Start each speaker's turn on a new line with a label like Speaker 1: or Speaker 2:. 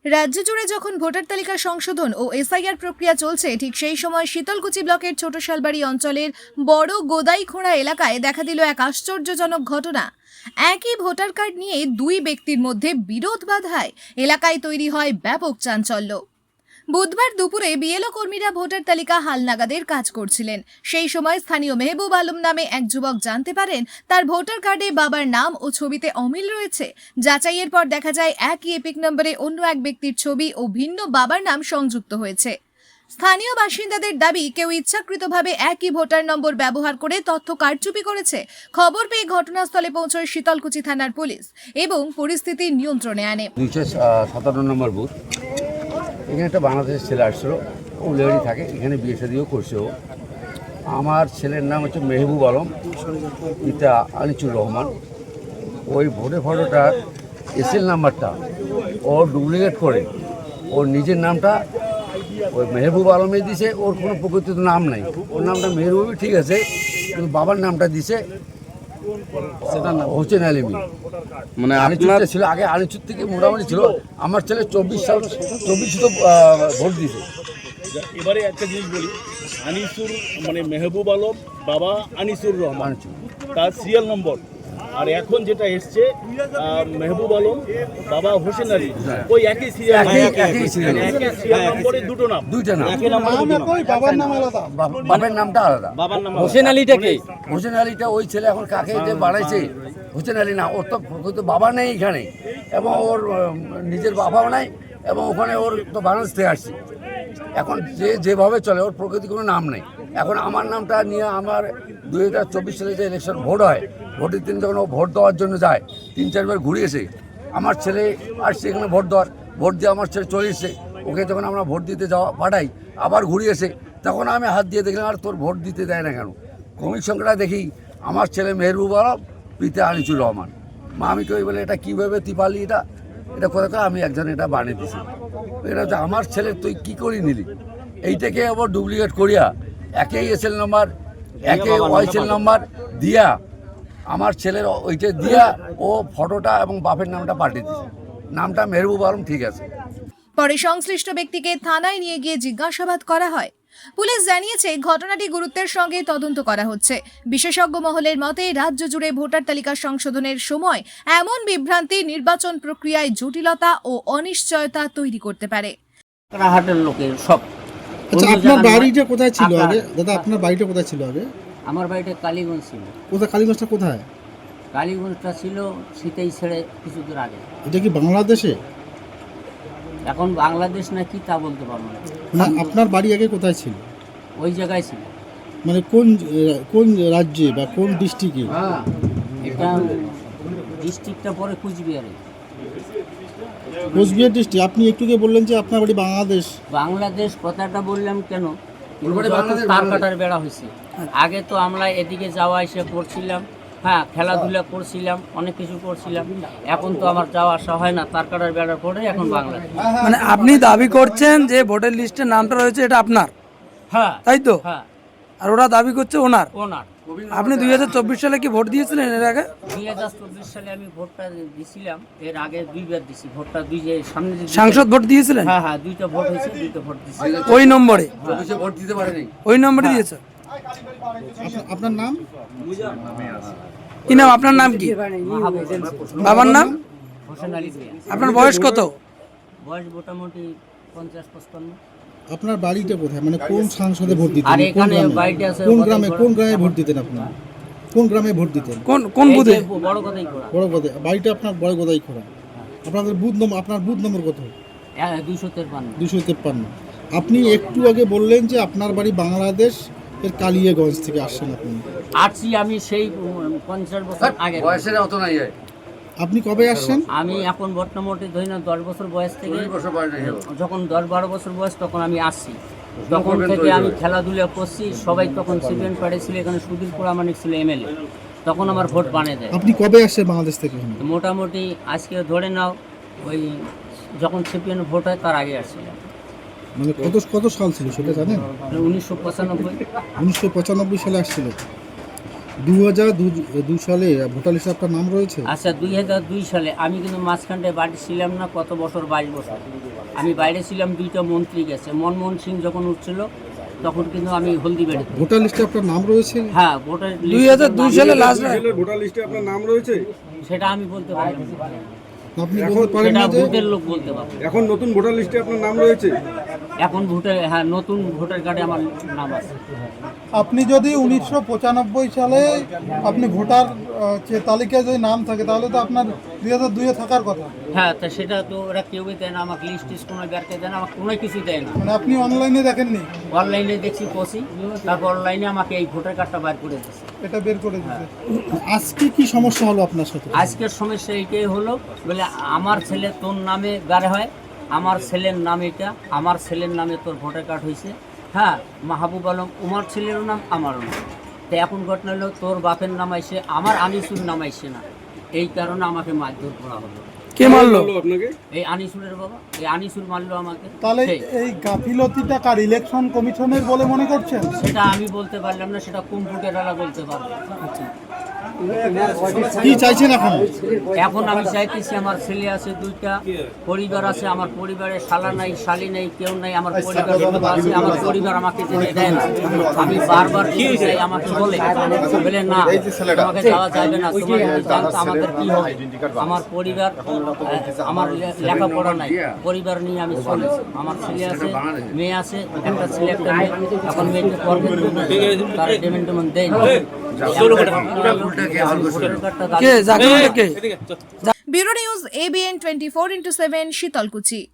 Speaker 1: রাজ্য জুড়ে যখন ভোটার তালিকা সংশোধন ও এসআইআর প্রক্রিয়া চলছে, ঠিক সেই সময় শীতলকুচি ব্লকের ছোট শালবাড়ি অঞ্চলের বড় গোদাইখোড়া এলাকায় দেখা দিল এক আশ্চর্যজনক ঘটনা। একই ভোটার কার্ড নিয়ে দুই ব্যক্তির মধ্যে বিরোধ বাধায় এলাকায় তৈরি হয় ব্যাপক চাঞ্চল্য। বুধবার দুপুরে বিএলও কর্মীরা ভোটার তালিকা হালনাগাদের কাজ করছিলেন। সেই সময় স্থানীয় মেহবুব আলম নামে এক যুবক জানতে পারেন তার ভোটার কার্ডে বাবার নাম ও ছবিতে অমিল রয়েছে। যাচাইয়ের পর দেখা যায় একই এপিক নম্বরে অন্য এক ব্যক্তির ছবি ও ভিন্ন বাবার নাম সংযুক্ত হয়েছে। স্থানীয় বাসিন্দাদের দাবি, কেউ ইচ্ছাকৃতভাবে একই ভোটার নম্বর ব্যবহার করে তথ্য কারচুপি করেছে। খবর পেয়ে ঘটনাস্থলে পৌঁছয় শীতলকুচি থানার পুলিশ এবং পরিস্থিতি নিয়ন্ত্রণে আনে।
Speaker 2: 257 নম্বর বুথ। এখানে একটা বাংলাদেশের ছেলে আসছিল, ও লেডি থাকে, এখানে বিয়ে শাদিও করছে। ও আমার ছেলের নাম হচ্ছে মেহবুব আলম, পিতা আনিসুর রহমান। ওই ভোটের ফটোটার এসএল নাম্বারটা ও ডুপ্লিকেট করে ওর নিজের নামটা ওই মেহবুব আলমে দিছে। ওর কোনো প্রকৃত নাম নাই, ওর নামটা মেহবুবই ঠিক আছে, কিন্তু বাবার নামটা দিছে হোসেন আলিমি। মানে আনিসুরটা ছিল আগে, আনিসুর থেকে মোটামুটি ছিল। আমার ছেলে 24 তো ভোট দিয়েছে।
Speaker 3: এবারে একটা জিনিস বলি, আনিসুর মানে মেহবুব আলম, বাবা আনিসুর রহমান, তার সিরিয়াল নম্বর। আর এখন যেটা এসছে মেহবুব আলম, বাবা হোসেন আলী, ওই একই সিরিয়াল নম্বরে দুইটা নাম।
Speaker 2: বাবার নামটা আলাদা।
Speaker 4: হোসেন আলীটা কে?
Speaker 2: হোসেন আলীটা ওই ছেলে এখন কাকে যে বাড়াইছে, হোসেন আলী না, ওর তো বাবা নেই এখানে, এবং ওর নিজের বাবাও নাই, এবং ওখানে ওর তো বাংলাদেশ থেকে আসছে। এখন যেভাবে চলে, ওর প্রকৃতি কোনো নাম নেই। এখন আমার নামটা নিয়ে আমার 2024 সালে যে ইলেকশন ভোট হয়, ভোটের দিন যখন ও ভোট দেওয়ার জন্য যায়, 3-4 বার ঘুরিয়েছে। আমার ছেলে আসছে এখানে ভোট দিয়ে আমার ছেলে চলে এসছে। ওকে যখন আমরা ভোট দিতে পাঠাই, আবার ঘুরিয়েছে। তখন আমি হাত দিয়ে দেখলাম, আর তোর ভোট দিতে দেয় না কেন? কমিক সংখ্যাটা দেখি আমার ছেলে মেহবুব আলম, পিতা আনিসুর রহমান। মা আমি কই বলে, এটা কীভাবে তুই পারলি? এটা কথা করে আমি একজন এটা বানিয়ে দিছি। এটা হচ্ছে আমার ছেলে, তুই কী করে নিলি? এইটাকে আবার ডুপ্লিকেট করিয়া একই এসএল নাম্বার, একই ওয়াইসএল নাম্বার দিয়া আমার ছেলের ওইটা দিয়া ও ফটোটা এবং বাপের নামটা পাঠিয়ে দিয়েছে। নামটা মেহবুব আলম ঠিক আছে।
Speaker 1: পরে সংশ্লিষ্ট ব্যক্তিকে থানায় নিয়ে গিয়ে জিজ্ঞাসাবাদ করা হয়। পুলিশ জানিয়েছে, ঘটনাটি গুরুত্বের সঙ্গে তদন্ত করা হচ্ছে। বিশেষজ্ঞ মহলের মতে, রাজ্য জুড়ে ভোটার তালিকা সংশোধনের সময় এমন বিভ্রান্তি নির্বাচন প্রক্রিয়ায় জটিলতা ও অনিশ্চয়তা তৈরি করতে পারে।
Speaker 4: হাটের লোকের সব।
Speaker 5: আচ্ছা, আপনার বাড়িটা কোথায় ছিল আগে? দাদা, আপনার বাড়িটা কোথায় ছিল আগে?
Speaker 4: আমার বাড়িটা কালীগঞ্জ ছিল।
Speaker 5: কোথায়? কালীগঞ্জটা কোথায়?
Speaker 4: কালীগঞ্জটা ছিল সিতাই ছেড়ে কিছু দূর আগে।
Speaker 5: এটা কি বাংলাদেশে?
Speaker 4: এখন বাংলাদেশ না কি তা বলতে পারবো না।
Speaker 5: না, আপনার বাড়ি আগে কোথায় ছিল?
Speaker 4: ওই জায়গায় ছিল।
Speaker 5: মানে কোন রাজ্যে বা কোন ডিস্ট্রিক্টে?
Speaker 4: এটা ডিস্ট্রিক্টটা পরে কুচবিহারে।
Speaker 5: কোচবিহার ডিস্ট্রিক্ট। আপনি একটুকে বললেন যে আপনার বাড়ি
Speaker 4: বাংলাদেশ কথাটা বললাম কেন, তার কাটার বেড়া হয়েছে। আগে তো আমরা এদিকে যাওয়া এসে করছিলাম, হ্যাঁ, খেলাধুলা করছিলাম, অনেক কিছু করছিলাম। এখন তো আমার যাওয়া আসা হয় না, তার কাটার বেড়ার পরে এখন বাংলাদেশ।
Speaker 6: মানে আপনি দাবি করছেন যে ভোটার লিস্টে নামটা রয়েছে এটা আপনার?
Speaker 4: হ্যাঁ,
Speaker 6: তাই তো?
Speaker 4: হ্যাঁ।
Speaker 6: আর ওরা দাবি করছে ওনার। আপনি 2024 সালে কি ভোট দিয়েছিলেন এর আগে?
Speaker 4: 2024 সালে আমি ভোটটা দিছিলাম। এর আগে দুইবার দিছি ভোটটা। সামনে
Speaker 6: সাংসদ ভোট দিয়েছিলেন?
Speaker 4: হ্যাঁ হ্যাঁ, দুইটা ভোট হয়েছে, দুইটা ভোট দিছি
Speaker 6: ওই নম্বরে।
Speaker 2: ভোট দিতে পারেনি,
Speaker 6: ওই নম্বরে দিয়েছে।
Speaker 5: আপনার নাম
Speaker 6: কি নাম? আপনার নাম কি? বাবার নাম?
Speaker 4: হোসেন আলী।
Speaker 6: আপনার বয়স কত?
Speaker 4: বয়স মোটামুটি 50-55।
Speaker 5: আপনার বাড়িটা কোথায়? মানে কোন সংসদে ভোট দিতেন?
Speaker 4: আর এখানে বাড়িটা আছে
Speaker 5: কোন গ্রামে ভোট দিতেন আপনি? কোন গ্রামে ভোট দিতেন?
Speaker 6: কোন বুথে?
Speaker 4: বড় কথাই করা।
Speaker 5: বড় কথা। বাড়িটা আপনার বড় কথাই খোলা। আপনাদের বুথ নম্বর, আপনার বুথ নম্বর কত?
Speaker 4: 253।
Speaker 5: আপনি একটু আগে বললেন যে আপনার বাড়ি বাংলাদেশ এর কালিয়াগঞ্জ থেকে আসছেন। আপনি
Speaker 4: আসছি আমি সেই 50 বছর আগে।
Speaker 2: বয়সের অত নাই।
Speaker 5: আপনি কবে আসছেন?
Speaker 4: আমি এখন মোটামুটি ধরি না 10 বছর বয়স থেকে, যখন 10-12 বছর বয়স তখন আমি আসছি। তখন থেকে আমি খেলাধুলা করছি। সবাই তখন সিপিএন পার্টি ছিল, এখানে সুধীর প্রামাণিক ছিল এমএলএ। তখন আমার ভোট বানিয়ে দেয়।
Speaker 5: আপনি কবে আসছেন বাংলাদেশ থেকে?
Speaker 4: মোটামুটি আজকে ধরে নাও ওই যখন সিপিএন ভোট হয় তার আগে আসছিলাম।
Speaker 5: মানে কত সাল ছিল সেটা জানেন?
Speaker 4: 1995।
Speaker 5: 1995 সালে আসছিল। 2002 সালে ভোটার লিস্টে আপনার নাম রয়েছে?
Speaker 4: আচ্ছা 2002 সালে আমি কিন্তু মাঝখানটায় বাড়ি ছিলাম না, কত বছর 22 বছর আমি বাইরে ছিলাম। 2টা মন্ত্রী গেছে, মনমোহন সিং যখন উঠছিল তখন কিন্তু আমি হলদিবাড়িতে।
Speaker 5: ভোটার লিস্টে আপনার নাম রয়েছে?
Speaker 4: হ্যাঁ ভোটার
Speaker 6: 2002 সালে লাস্ট
Speaker 7: ভোটার লিস্টে আপনার নাম রয়েছে?
Speaker 4: সেটা আমি বলতে পারি না,
Speaker 5: আপনি বলতে পারেন
Speaker 4: সেটা
Speaker 5: না যে
Speaker 4: ভোটের লোক বলতে পারবে।
Speaker 7: এখন নতুন ভোটার লিস্টে আপনার নাম রয়েছে?
Speaker 4: এখন ভোটার, হ্যাঁ নতুন ভোটার কার্ডে আমার নাম আছে।
Speaker 8: আপনি যদি 1995 সালে আপনি ভোটার তালিকায় যদি নাম থাকে তাহলে তো আপনার 2002-এ থাকার কথা।
Speaker 4: হ্যাঁ তা সেটা তো ওরা কেউই দেয় না আমাকে, লিস্ট টিস্ট কোনো বেরতে দেয় না, আমাকে কোনো কিছু দেয় না।
Speaker 8: মানে আপনি অনলাইনে দেখেননি?
Speaker 4: অনলাইনে দেখছি পসি, তারপর অনলাইনে আমাকে এই ভোটার কার্ডটা বার করে দিচ্ছে।
Speaker 8: এটা বের করে দিতে।
Speaker 5: আজকে কি সমস্যা হলো আপনার সাথে?
Speaker 4: আজকের সমস্যা এইটাই হলো, বলে আমার ছেলে তোর নামে গাড়ে হয়, আমার ছেলের নাম এটা, আমার ছেলের নামে তোর ভোটার কার্ড হয়েছে। হ্যাঁ মাহবুব আলম উমার ছেলেরও নাম, আমারও নাম। তো এখন ঘটনা হলো তোর বাপের নাম আইসে, আমার আনিসুর নাম আইসে না, এই কারণে আমাকে মারধর করা হলো।
Speaker 6: কে মারলো?
Speaker 7: আপনাকে
Speaker 4: এই আনিসুরের বাবা, এই আনিসুর মারলো আমাকে।
Speaker 8: তাহলে
Speaker 4: সেই।
Speaker 8: এই গাফিলতিটা কার, ইলেকশন কমিশনের বলে মনে করছেন?
Speaker 4: সেটা আমি বলতে পারলাম না, সেটা কম্পিউটারওয়ালা বলতে পারবে।
Speaker 5: কি চাইছেন এখন?
Speaker 4: এখন আমি চাইতেছি আমার ছেলে আছে 2টা, পরিবার আছে, আমার পরিবারে শালা নাই, শালি নাই, কেউ নাই, আমার পরিবার আছে, আমার পরিবার আমাকে যেতে দেয় না। আমি বারবার চাই, আমাকে বলে না তোমাকে যাওয়া যাবে না, তোমার জানতো আমাদের কি হবে। আমার পরিবার, আমার লেখাপড়া নাই, পরিবার নিয়ে আমি চলেছি। আমার ছেলে আছে, মেয়ে আছে, একটা ছেলে একটা মেয়ে। এখন মেয়েকে করবেন তার পেমেন্ট টেমেন্ট দেয় না।
Speaker 6: কে জাকির কে?
Speaker 1: Bureau news ABN 24/7 Sitalkuchi.